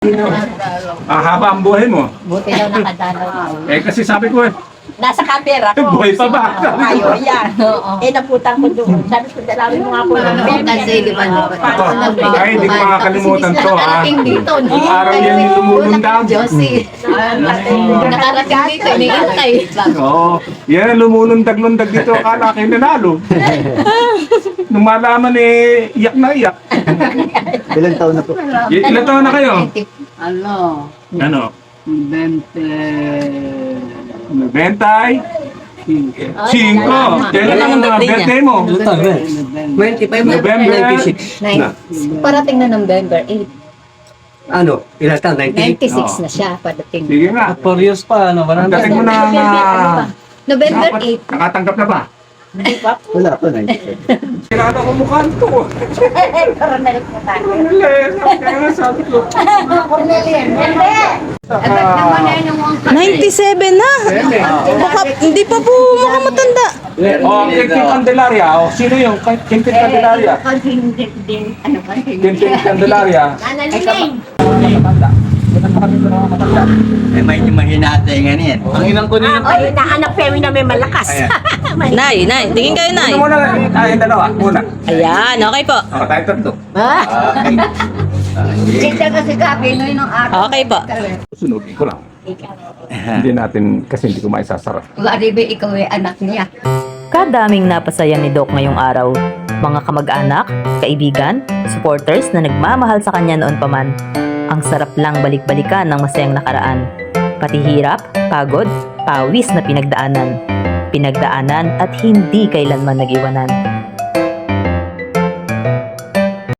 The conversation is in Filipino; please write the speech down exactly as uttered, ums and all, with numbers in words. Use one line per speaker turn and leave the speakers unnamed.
Ah, haba ang buhay mo.
Buti daw nakadalaw.
Eh, kasi sabi ko eh,
Nasa camera ko.
buhay pa ba?
Tayo, yan.
Oo.
Eh, naputang ko doon. Sabi ko, dalawin mo nga po ng
Oo, kasi di ba, di ba?
Ito, ay, hindi ko makakalimutan to, ha?
Nakarating dito.
Ang araw yan yung lumulundag.
Josie. Nakarating dito, iniintay.
Oo. Yan, lumulundag-lundag dito. Akala kayo nanalo. Nung malaman eh, iyak na iyak.
Ilang taon na po?
Y- ilan taon na kayo?
Ano,
Ano?
bente,
Bentay? Cinco. Kailan ang uh, birthday mo?
twenty-five
November
ninety-six na.
Parating na November eight.
Ano? Ilang taon? ninety-eight?
ninety-six na siya padating.
Sige nga.
four years pa, ano,
Ang
marami.
dating mo na na...
November
Dapat
eight.
nakatanggap na ba?
Wala po, ninety-seven.
Kailangan ko mukha to.
Coronel po tayo.
Cornelia, kaya nga sabi ko.
Cornelian. Hindi.
ninety-seven na. Baka, hindi pa po makamatanda.
Oh, Quintin Candelaria. Oh, sino yung Quintin Candelaria?
Hindi din. Ano ba?
Quintin Candelaria.
Nanaliling.
Eh, may mahinate nga niyan.
Ang inang ko niya.
Ay, naanak Femi na may malakas.
Nay, nay, tingin kayo, nay.
Ano muna lang? Tayong dalawa. Muna.
Ayan, okay po.
Oh, tayo tatlo.
Hindi kasi kape, no, yung araw.
Okay po.
Sunugin ko lang. Hindi natin, kasi hindi ko maisasarap.
Waribe, ikaw ay anak niya.
Kadaming napasaya ni Doc ngayong araw. Mga kamag-anak, kaibigan, supporters na nagmamahal sa kanya noon pa man. Ang sarap lang balik-balikan ng masayang nakaraan. Pati hirap, pagod, pawis na pinagdaanan. Pinagdaanan at hindi kailanman nag-iwanan.